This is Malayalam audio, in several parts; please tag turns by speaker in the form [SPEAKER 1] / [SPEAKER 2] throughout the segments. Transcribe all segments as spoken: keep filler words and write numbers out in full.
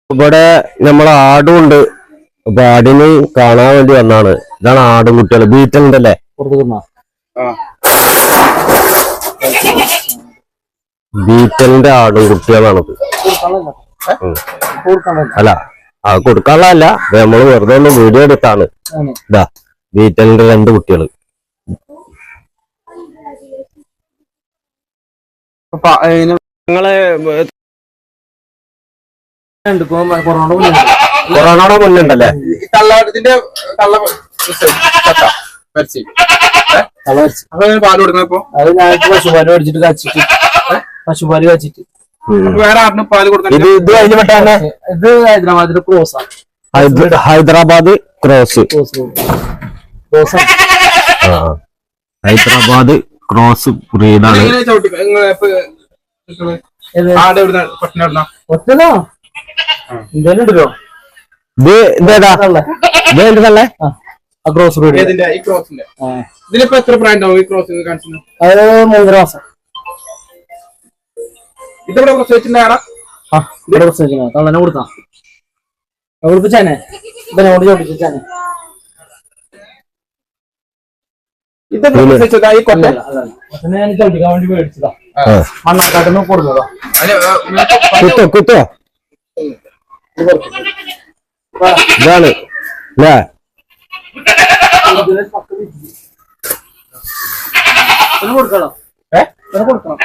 [SPEAKER 1] ഇവിടെ നമ്മളെ ആടുണ്ട്. അപ്പൊ ആടിന് കാണാൻ വേണ്ടി വന്നാണ്. ഇതാണ് ആടും കുട്ടികള് ബീറ്റലിന്റെ അല്ലേ? ബീറ്റലിന്റെ ആടും കുട്ടികളാണത്. അല്ല അത് കൊടുക്കാനുള്ളതല്ല, നമ്മള് വെറുതെ ഒന്ന് വീഡിയോ എടുത്താണ്. ഇതാ ബീറ്റലിന്റെ രണ്ട് കുട്ടികള്. നിങ്ങള് കൊറോണയുടെ മുന്നുണ്ടല്ലേ?
[SPEAKER 2] ഇതിന്റെ പാല് കൊടുക്കുന്നപ്പോ
[SPEAKER 3] അത് ഞങ്ങൾക്ക് പശുപാല് മേടിച്ചിട്ട് കച്ചിട്ട് പശുപാല് കച്ചിട്ട്
[SPEAKER 2] വേറെ ആറിന് പാല് കൊടുക്കുന്നത്.
[SPEAKER 1] ഇത് ഇത് കഴിഞ്ഞ പെട്ടാണ്.
[SPEAKER 3] ഇത് ഹൈദരാബാദിന്റെ ക്രോസാ.
[SPEAKER 1] ഹൈദരാബാദ് ക്രോസ്. ഹൈദരാബാദ് ക്രോസ് ബ്രീഡാണ്.
[SPEAKER 3] ഒറ്റതോ എന്തായാലും ഉണ്ടല്ലോ.
[SPEAKER 1] ഇത് ഇതേതാ ഇത് എന്റെതല്ലേ?
[SPEAKER 3] Cross breed.
[SPEAKER 2] ഇതിലിപ്പോ എത്ര പ്രായം ഉണ്ടാവും ഈ ക്രോസ് കാണിച്ചു?
[SPEAKER 3] അത് മൂന്നര മാസം.
[SPEAKER 2] ഇതിവിടെ പ്രസവിച്ചിട്ടുണ്ടാ?
[SPEAKER 3] ആ ഇവിടെ പ്രസവിക്കുന്ന തള്ളനെ കൊടുത്താ കൊടുപ്പിച്ചാനെ ഇവനോട് ചോദിച്ചാനെ. ഞാൻ ചോദിക്കാൻ വേണ്ടി മേടിച്ചതാ. മണ്ണാക്കാട്ടിന്ന് കൊടുത്തതാ.
[SPEAKER 1] കുത്തോ കുത്തോ ഇതാണ് അല്ലേ?
[SPEAKER 3] കൊടുക്കണം കൊടുക്കണം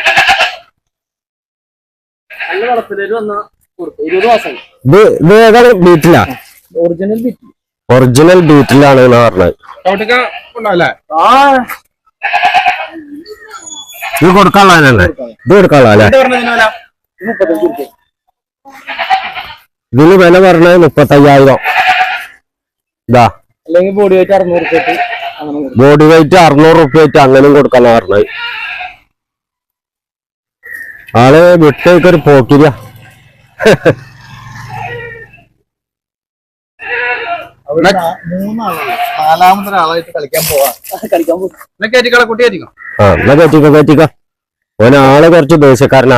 [SPEAKER 3] നല്ല വളത്തിലേക്ക് വന്ന കൊടുത്തു. ഇരുപത് മാസം.
[SPEAKER 1] ഇത് ഇത് ഏതാണ് ബീറ്റിലാ?
[SPEAKER 3] ഒറിജിനൽ ബീറ്റിൽ.
[SPEAKER 1] ഒറിജിനൽ ബീറ്റിലാണ് പറഞ്ഞത്. ഇത് കൊടുക്കാനുള്ളതല്ലേ? ഇത് കൊടുക്കാനുള്ളതല്ലേ? ഇതിന് വില പറഞ്ഞത് മുപ്പത്തയ്യായിരം. ഇതാ
[SPEAKER 3] അല്ലെങ്കിൽ ബോഡി വെയിറ്റ് അറുന്നൂറ് റുപ്യ.
[SPEAKER 1] ബോഡി വെയിറ്റ് അറുന്നൂറ് റുപ്യ വെച്ച് അങ്ങനെയും കൊടുക്കാനാ പറഞ്ഞത്. ആള് വിട്ടേക്കൊരു പോക്കിരിയ.
[SPEAKER 2] നാലാമതൊരാളായിട്ട് കളിക്കാൻ പോവാ. കളിക്കാൻ പോകും. കുട്ടി ആയിരിക്കും.
[SPEAKER 1] ആ എന്നാ കയറ്റിക്കോ കയറ്റിക്കോ. ഓനാള് കുറച്ച് ദേശക്കാരനാ.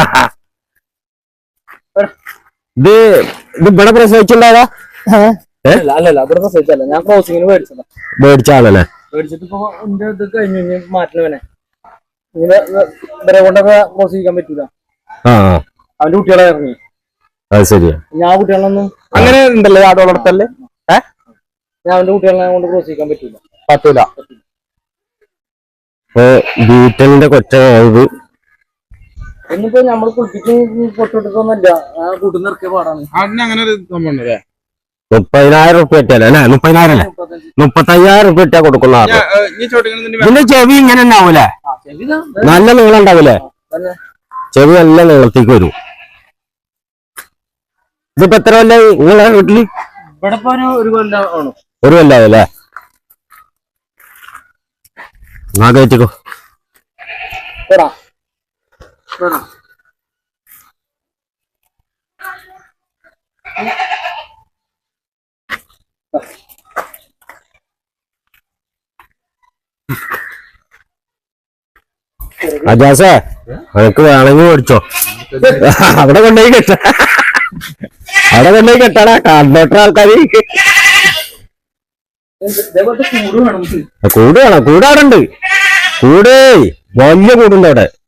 [SPEAKER 1] ഇത് ഇത് ഇവിടെ പ്രസവിച്ചിട്ടുണ്ടാകാ?
[SPEAKER 3] അല്ലല്ല ഇവിടെ പ്രസവിച്ചല്ല, ഞാൻ ക്രോസിങ്ങിന് മേടിച്ചതാ.
[SPEAKER 1] മേടിച്ചാണല്ലേ?
[SPEAKER 3] മേടിച്ചിട്ട് ഇപ്പൊ എന്റെ ഇത് കഴിഞ്ഞു മാറ്റണവനെ. ഇങ്ങനെ ഇവരെ കൊണ്ടൊക്കെ ക്രോസ് ചെയ്യാൻ പറ്റൂല.
[SPEAKER 1] ആ
[SPEAKER 3] അവന്റെ കുട്ടികളെ ഇറങ്ങി.
[SPEAKER 1] അത് ശരിയാ.
[SPEAKER 3] ഞാൻ കുട്ടികളൊന്നും
[SPEAKER 1] അങ്ങനെ ഉണ്ടല്ലേ ആട് വളർത്തല്ലേ? ഏഹ്
[SPEAKER 3] ഞാൻ അവന്റെ കുട്ടികളെ കൊണ്ട് ക്രോസ് ചെയ്യാൻ പറ്റൂല.
[SPEAKER 1] പറ്റൂല. ഇപ്പൊ ബീറ്റലിന്റെ കൊച്ചായത്
[SPEAKER 3] എന്നിപ്പോ നമ്മള് കുളിപ്പിച്ച് പൊട്ടിട്ടൊന്നുമില്ല. ആ കൂട്ടുന്ന ഇറക്കിയ പാടാണ്.
[SPEAKER 2] അങ്ങനെ ഒരു സംഭവം ഉണ്ടല്ലേ?
[SPEAKER 1] മുപ്പതിനായിരം റുപ്യ ഇട്ടല്ലേ? അല്ലെ മുപ്പതിനായിരം അല്ലേ? മുപ്പത്തയ്യായിരം റുപ്യ ഇട്ടാ കൊടുക്കുന്ന. ഇതിന്റെ ചെവി ഇങ്ങനെ ഉണ്ടാവൂലേ? നല്ല നീളം ഉണ്ടാവൂലേ? ചെവി നല്ല നീളത്തേക്ക് വരും. ഇതിപ്പോ എത്ര കൊല്ലായി നിങ്ങളെ വീട്ടില്?
[SPEAKER 3] ഇവിടെ ഇപ്പൊ ഒരു കൊല്ലം ആണ്.
[SPEAKER 1] ഒരു കൊല്ലാവല്ലേ? എന്നാ കയറ്റിക്കോ. അജാസേ അനക്ക് വേണമെങ്കിൽ മേടിച്ചോ. അവിടെ കൊണ്ടുപോയി കെട്ട അവിടെ കൊണ്ടുപോയി കെട്ടാടാ. കണ്ടോട്ടർ ആൾക്കാര് കൂട് വേണം. കൂടാറുണ്ട്. കൂടേ വലിയ കൂടുണ്ട് അവിടെ.